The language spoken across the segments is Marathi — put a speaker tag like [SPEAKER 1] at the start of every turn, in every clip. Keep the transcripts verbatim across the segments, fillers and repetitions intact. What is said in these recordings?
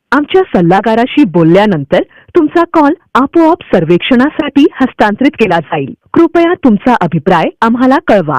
[SPEAKER 1] आमच्या सल्लागाराशी बोलल्यानंतर तुमचा कॉल आपोआप सर्वेक्षणासाठी हस्तांतरित केला जाईल. कृपया तुमचा अभिप्राय आम्हाला कळवा.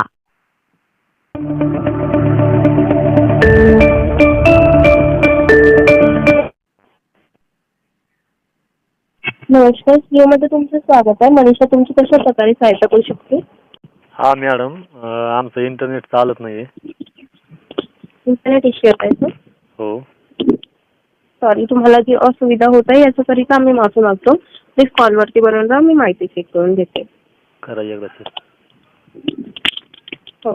[SPEAKER 2] नमस्कार, जिओमध्ये तुमचं स्वागत आहे. मनीषा तुमची कशा प्रकारे सहायता करू शकते?
[SPEAKER 3] हा मॅडम, अं, आमचं इंटरनेट चालत नाही आहे.
[SPEAKER 2] इंटरनेट इश्यू येत आहे सर.
[SPEAKER 3] हो.
[SPEAKER 2] सॉरी, तुम्हाला जी असुविधा होत आहे याच्याकरिता आम्ही माफी मागतो. प्लीज कॉलवरती बनवून राहा, मी माहिती चेक करून घेते.
[SPEAKER 3] करा एकदा सर.
[SPEAKER 2] हो.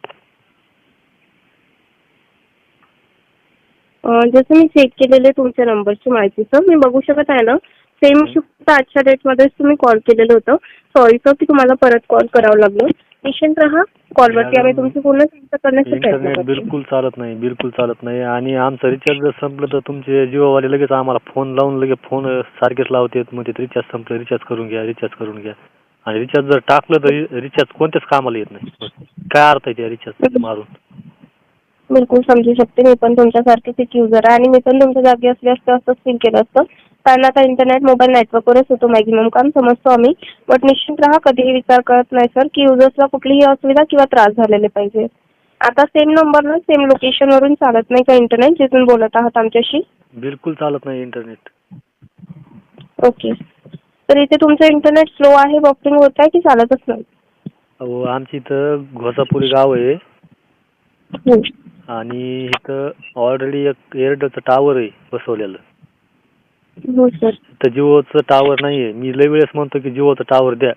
[SPEAKER 2] अं, जसं मी चेक केलेले तुमच्या नंबरची माहिती सर, मी बघू शकत आहे ना, सेम शिफ्ट आजच्या डेटमध्येच तुम्ही कॉल केलेलं होतं. सॉरी सर की तुम्हाला परत कॉल करावं लागलं. निश्चिंत राहा, कॉलवरती आम्ही तुमची पूर्ण सहायता करण्याचा प्रयत्न
[SPEAKER 3] इंटरनेट
[SPEAKER 2] करतो.
[SPEAKER 3] बिलकुल चालत नाही, बिलकुल चालत नाही. आणि आमचं रिचार्ज जर संपलं तर तुमचे जिओवाले लगेच आम्हाला फोन लावून लगेच फोन सारखेच लावतात. मग ते रिचार्ज संपलं, रिचार्ज करून घ्या, रिचार्ज करून घ्या. आणि रिचार्ज जर टाकलं तर रिचार्ज कोणत्याच कामाला येत नाही. काय अर्थ आहे त्या रिचार्ज मारून?
[SPEAKER 2] बिलकुल समजू शकते. मी पण तुमच्यासारखीच एक युजर आहे आणि मी पण तुमच्या जागी असले असते असंच फील केलं असतं. कारण आता इंटरनेट मोबाईल नेटवर्कवरच होतो मॅक्झिमम काम, समजतो आम्ही. बट निश्चित राहा, कधीही विचार करत नाही सर की युजर्सला कुठलीही असुविधा किंवा त्रास झालेले पाहिजे. आता सेम नंबरला सेम लोकेशनवरून चालत नाही का इंटरनेट जिथून बोलत आहात आमच्याशी?
[SPEAKER 3] बिलकुल चालत नाही इंटरनेट.
[SPEAKER 2] ओके. तर इथे तुमचं इंटरनेट स्लो आहे, बफरिंग होत आहे की चालतच नाही?
[SPEAKER 3] अहो, आमची इथं घोसापुरी गाव आहे
[SPEAKER 2] हो.
[SPEAKER 3] आणि इथं ऑलरेडी एक एअरटेलचं टावर आहे बसवलेलं.
[SPEAKER 2] हो सर.
[SPEAKER 3] तर जिओचं टावर नाहीये. मी लय वेळेस म्हणतो की जिओचं टावर द्या.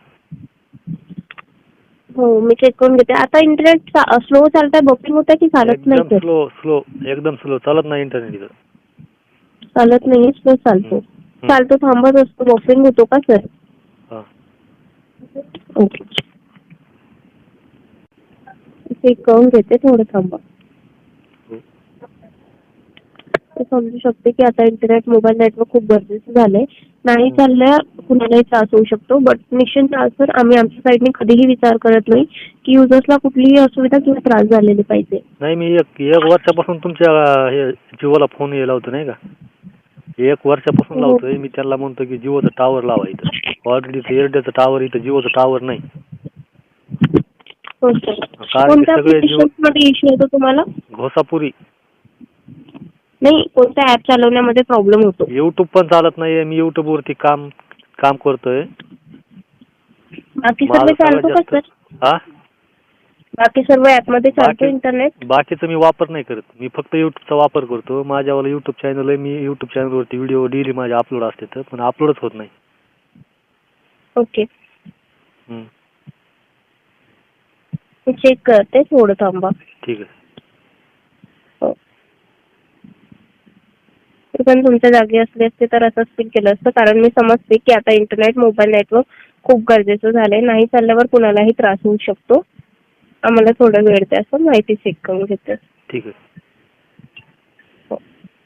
[SPEAKER 2] हो, मी चेक करून घेते. आता इंटरनेट स्लो चालत आहे, बफरिंग होत आहे की चालत नाही
[SPEAKER 3] एकदम
[SPEAKER 2] सर?
[SPEAKER 3] स्लो स्लो एकदम स्लो चालत नाही इंटरनेट इथं.
[SPEAKER 2] चालत नाही, स्लो चालतो. चालतो, थांबत असतो, बफरिंग होतो का सर?
[SPEAKER 3] हा.
[SPEAKER 2] ओके, चेक करून घेते, थोडं थांबा. समजू शकते की आता इंटरनेट मोबाईल नेटवर्क खूप गरजेचं झालंय. नाही चालल्या कुणालाही त्रास होऊ शकतो. बट निश्चित सर, आम्ही आमच्या साईडने कधीही विचार करत नाही की युजर्सला कुठलीही असुविधा किंवा त्रास झालेले पाहिजे.
[SPEAKER 3] नाही, मी एक एक वर्षापासून तुमच्या हे जिओला फोन हे लावतो नाही का. एक वर्षापासून लावतोय. मी त्यांना म्हणतो की जिओचं टावर लावा इथं. ऑलरेडी एअरटेलचं टावर इथं, जिओचं टावर नाही.
[SPEAKER 2] हो सर.
[SPEAKER 3] कारण
[SPEAKER 2] कोणत्या
[SPEAKER 3] सगळे जिओ
[SPEAKER 2] मध्ये इश्यू होतो तुम्हाला?
[SPEAKER 3] घोसापुरी.
[SPEAKER 2] नाही, कोणत्या ऍप चालवण्यामध्ये प्रॉब्लेम होतो?
[SPEAKER 3] युट्यूब पण चालत नाहीये. मी युट्यूब वरती काम काम करतोय.
[SPEAKER 2] बाकी सर्व चालतो का सर?
[SPEAKER 3] हा,
[SPEAKER 2] बाकी सर्व ऍप मध्ये चालतो इंटरनेट?
[SPEAKER 3] बाकीचं मी वापर नाही करत. मी फक्त युट्यूबचा वापर करतो. माझ्यावाला युट्यूब चॅनल आहे. मी युट्यूब चॅनलवरती व्हिडिओ डेली माझे अपलोड असते, पण अपलोडच होत नाही.
[SPEAKER 2] ओके, मी चेक करते, थोडं थांबा.
[SPEAKER 3] ठीक आहे.
[SPEAKER 2] हो. पण तुमच्या जागी असले असते तर असंच फील केलं असतं. कारण मी समजते की आता इंटरनेट मोबाईल नेटवर्क खूप गरजेचं झालंय. नाही चालल्यावर कुणालाही त्रास होऊ शकतो. आम्हाला थोडा वेळ द्या असं, माहिती चेक करून घेते.
[SPEAKER 3] ठीक आहे.
[SPEAKER 2] हो.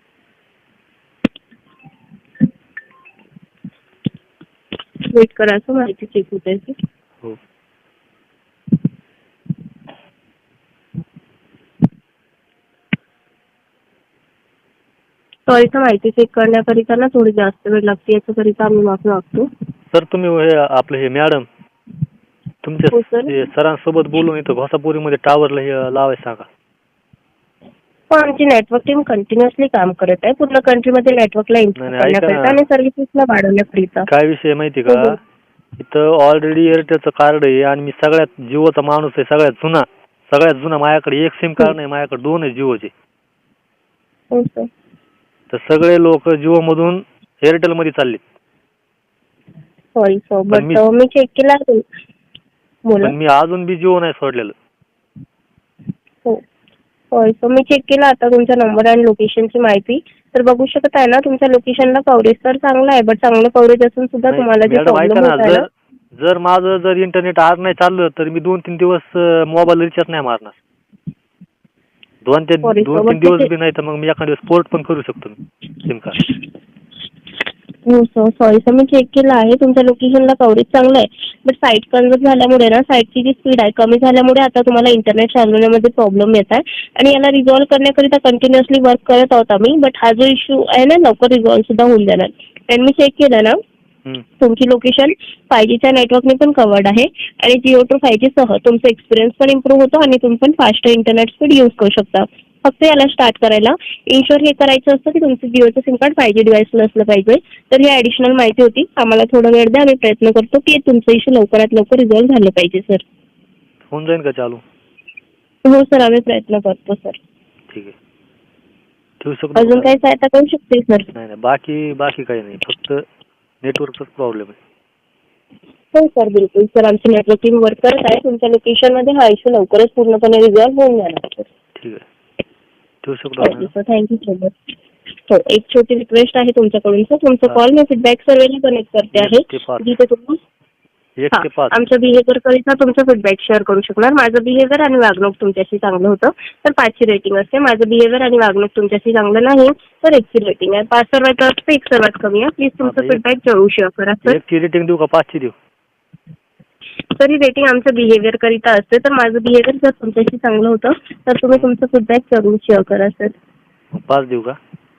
[SPEAKER 2] वेट करा, असं माहिती चेक होते.
[SPEAKER 3] हो.
[SPEAKER 2] सॉरी सर, माहिती चेक करण्याकरिता ना थोडी जास्त वेळ लागते, याच्याकरिता आम्ही माफी मागतो.
[SPEAKER 3] सर, तुम्ही हे आपलं हे मॅडम तुमच्या सरांसोबत बोलून इथं घोसापुरीमध्ये टावरला हे लावायचं सांगा.
[SPEAKER 2] पण आमची नेटवर्क टीम कंटिन्युअसली काम करत आहे पूर्ण कंट्रीमध्ये नेटवर्कला इम्प्रूव्ह करण्याकरिता आणि सर्व्हिसेसला वाढवण्याकरिता.
[SPEAKER 3] काय विषय माहिती का, इथं ऑलरेडी एअरटेलचं कार्ड आहे आणि मी सगळ्यात जिओचा माणूस आहे, सगळ्यात जुना सगळ्यात जुना. माझ्याकडे एक सिम कार्ड नाही, माझ्याकडे दोन आहे जिओचे.
[SPEAKER 2] हो सर.
[SPEAKER 3] तर सगळे लोक जिओ मधून एअरटेल मध्ये चालले.
[SPEAKER 2] सॉरी सर, बट मी चेक केला.
[SPEAKER 3] पण मी अजून बी जिओ नाही सोडलेलं.
[SPEAKER 2] हो, होय सर, मी चेक केला आता तुमचा नंबर आणि लोकेशनची माहिती. तर बघू शकत आहे ना, तुमच्या लोकेशनला कव्हरेज तर चांगलं आहे, बट चांगलं कव्हरेज असून सुद्धा तुम्हाला जे प्रॉब्लेम होत आहे ना,
[SPEAKER 3] जर माझं जर इंटरनेट आज नाही चाललं तर मी दोन तीन दिवस मोबाईल रिचार्ज नाही मारणार. दोन ते दोन तीन दिवस बी नाही तर मग मी एखाद्या दिवस पोर्ट पण करू शकतो सिम कार्ड.
[SPEAKER 2] हो सर, सॉरी सर, मी चेक केलं आहे. तुमच्या लोकेशनला कव्हरेज चांगलं आहे. बट साईट कन्वर्ट झाल्यामुळे ना, साईटची जी स्पीड आहे कमी झाल्यामुळे आता तुम्हाला इंटरनेट चालवण्यामध्ये प्रॉब्लेम येत आहे. आणि याला रिझॉल्व्ह करण्याकरिता कंटिन्युअसली वर्क करत आहोत आम्ही. बट हा जो इश्यू आहे ना, लवकर रिझॉल्व्ह सुद्धा होऊन जाणार. आणि मी चेक केलं ना, तुमची लोकेशन फाय जीच्या नेटवर्कने पण कवर्ड आहे. आणि जिओ टू फाय जी सह तुमचा एक्सपिरियन्स पण इम्प्रूव्ह होतो आणि तुम्ही पण फास्ट इंटरनेट स्पीड यूज करू शकता. फक्त याला स्टार्ट करायला इन्शुअर हे करायचं असतं की तुमचं जिओचं सिम कार्ड फाय जी डिव्हाइसला असलं पाहिजे. तर ही ॲडिशनल माहिती होती. आम्हाला थोडा वेळ द्या, आम्ही प्रयत्न करतो की तुमचं इश्यू लवकरात लवकर रिझॉल्व्ह झालं पाहिजे सर.
[SPEAKER 3] होऊन जाईल का चालू?
[SPEAKER 2] हो सर, आम्ही प्रयत्न करतो सर.
[SPEAKER 3] ठीक आहे, ठेवू शकतो.
[SPEAKER 2] अजून काही सहायता करू शकते सर?
[SPEAKER 3] नाही नाही, बाकी बाकी काही नाही, फक्त नेटवर्कचाच प्रॉब्लेम आहे.
[SPEAKER 2] हो सर, बिलकुल सर, आमची नेटवर्क टीम वर्क करत आहे. तुमच्या लोकेशनमध्ये हा इश्यू लवकरच पूर्णपणे रिझॉल्व्ह होऊन जाणार सर.
[SPEAKER 3] ठीक आहे, ठेवू शकतो.
[SPEAKER 2] Thank you sir, thank you so much. हो, एक छोटी रिक्वेस्ट आहे तुमच्याकडून सर. तुमचा कॉल मी फीडबॅक सर्वेला कनेक्ट करते आहे, जिथे तुम्ही
[SPEAKER 3] एक ते पाच
[SPEAKER 2] आमच्या बिहेवियर करिता तुमचा फीडबॅक शेअर करू शकणार. माझं बिहेवियर आणि वागणूक तुमच्याशी चांगलं होतं तर पाचची रेटिंग असते. माझं बिहेवियर आणि वागणूक तुमच्याशी चांगलं नाही तर एकची रेटिंग आहे. पाच सर्वात जास्त, एक सर्वात कमी आहे. प्लीज तुमचं फीडबॅक जरूर शेअर करा सर.
[SPEAKER 3] एकची रेटिंग देऊ का पाचची देऊ?
[SPEAKER 2] सर, ही रेटिंग आमच्या बिहेवियर करिता असते. तर माझं बिहेवियर जर तुमच्याशी चांगलं होतं तर तुम्ही तुमचं फीडबॅक जरूर शेअर करा सर.
[SPEAKER 3] पाच देऊ का?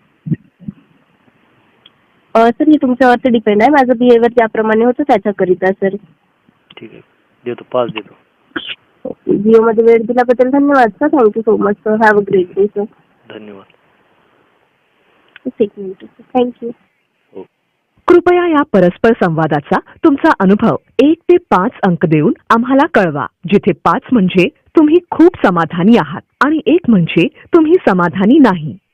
[SPEAKER 2] सर, हे तुमच्यावरती डिपेंड आहे. माझं बिहेवियर ज्याप्रमाणे होतं त्याच्याकरिता सर.
[SPEAKER 3] ठीक आहे, देतो, पाच देतो.
[SPEAKER 2] जिओमध्ये वेळ दिल्याबद्दल धन्यवाद sir. Thank you so much sir. Have a great day sir.
[SPEAKER 3] धन्यवाद.
[SPEAKER 2] एक मिनिट सर. थँक्यू.
[SPEAKER 1] कृपया या परस्पर संवादाचा तुमचा अनुभव एक ते पाच अंक देऊन आम्हाला कळवा, जिथे पाच म्हणजे तुम्ही खूप समाधानी आहात आणि एक म्हणजे तुम्ही समाधानी नाही.